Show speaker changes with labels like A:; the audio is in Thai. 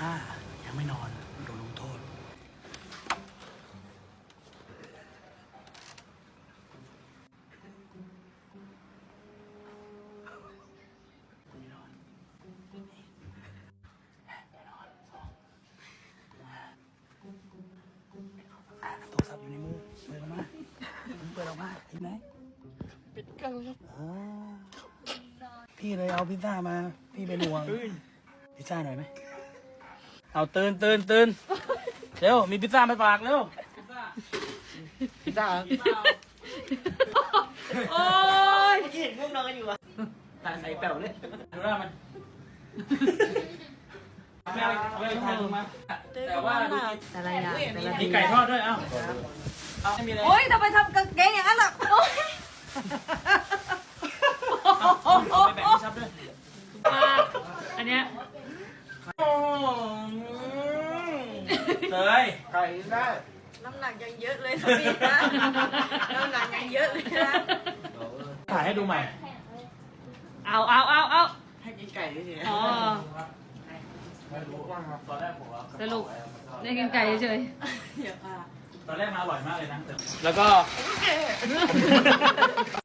A: ถ้ายังไม่นอนโดนลงโทษโทรศัพท์อยู่ในมือเปิดออกมาเห็นไหมปิดกันครับพี่เลยเอาพิซซ่ามาพี่เป็นห่วงพิซซ่าหน่อยไหมเอาตื่นเร็วมีพิซซ่ามาฝากเร็วพิซซ่า
B: โอ้ย
C: เมื่อกี้เห็นพวกนอนกันอยู่อะตาใส่แป๋วเลย
A: ดูหน้ามันไม่ทานมาแต่ว่า
B: อะไรอ่ะ
A: มีไก่ทอดด้วยเอ้าไม่มีอะไร
B: โอ้ยทำไมทำกางเกงอย่างนั้นล่ะโอ้ย
A: ไปแบ่งให้ชับด้วย
B: อันเนี้ย
A: เตย
C: ไก่ได้
B: น้ำหนักยังเยอะเลยนะพี่นะน้ำหนักยังเยอะเลยนะ
A: ถ่ายให้ดูใหม่
B: เอา
C: ให้กินไก่เฉย
B: อ๋อ
A: ตอนแรกผมว่า
B: สรุปได้กินไก่เฉย
A: ตอนแรกมาอร่อยมากเลยนะแล้วก็